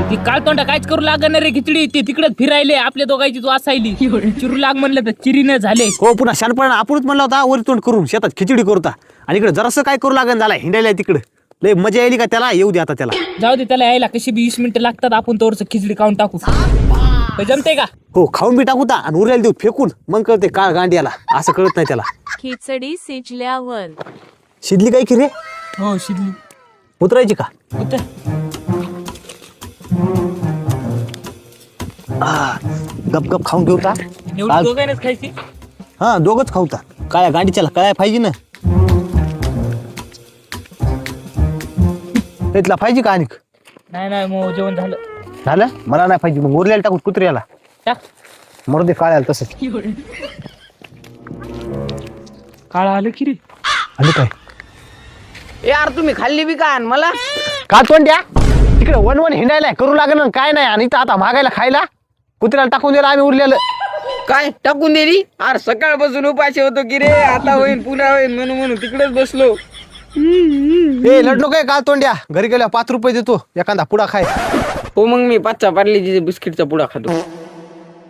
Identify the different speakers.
Speaker 1: ती काळतोंडा काहीच करू लागणार रे खिचडी. ते तिकडेच फिरायले आपल्या दोघांची तू असायली. चिरू लाग म्हणलं तर चिरीने झाले.
Speaker 2: हो पुन्हा शानपणा आपणच म्हणला होता वर तोंड करून शेतात खिचडी करता आणि इकडे जरासं काय करू लागन झाला हिंडायला तिकडे. लय मजा यायली का त्याला. येऊ दे आता त्याला.
Speaker 1: जाऊ दे त्याला यायला कशी 20 मिनिटं लागतात. आपण तोवरच खिचडी खाऊन टाकू. जमते का?
Speaker 2: हो खाऊन बी टाकू ता आणि उरलेला देऊ फेकून मग कळते काळ गांड्याला. असं कळत नाही त्याला.
Speaker 3: खिचडी शिजल्यावर
Speaker 2: शिजली काय की रे?
Speaker 1: हो शिजली.
Speaker 2: उतरायची का?
Speaker 1: उतर.
Speaker 2: गप गप खाऊन घेऊ ता.
Speaker 1: एवढी दोघांनाच खायची.
Speaker 2: हा दोघच खाऊ ता. काळ्या गांडीच्याला कळाय पाहिजे ना. त्यातला पाहिजे का आणिक?
Speaker 1: नाही मग जेवण झालं.
Speaker 2: झालं मला नाही पाहिजे. मग उरलेला टाकू कुत्र्याला.
Speaker 1: टाक.
Speaker 2: मरू दे काळ्याला तसंच.
Speaker 1: काळ आलं की रे.
Speaker 2: आणि काय
Speaker 4: यार तुम्ही खाल्ली बी का मला
Speaker 2: का तोंड्या तिकडे वन वन हिंडायला करू लागेल काय नाही. आणि इथं आता मागायला खायला कुत्र्याला टाकून दिलं आम्ही उरलेलं.
Speaker 4: काय टाकून दिली? अरे सकाळपासून उपाशी होतो की रे. आता होईन पुन्हा होईन म्हणून तिकडेच बसलो.
Speaker 2: ए लढलो काय का तोंड्या. घरी गेल्या 5 रुपये देतो एखादा पुडा खाय.
Speaker 4: हो मग मी 5चा पार्लेजीच्या बिस्किटचा पुडा खातो.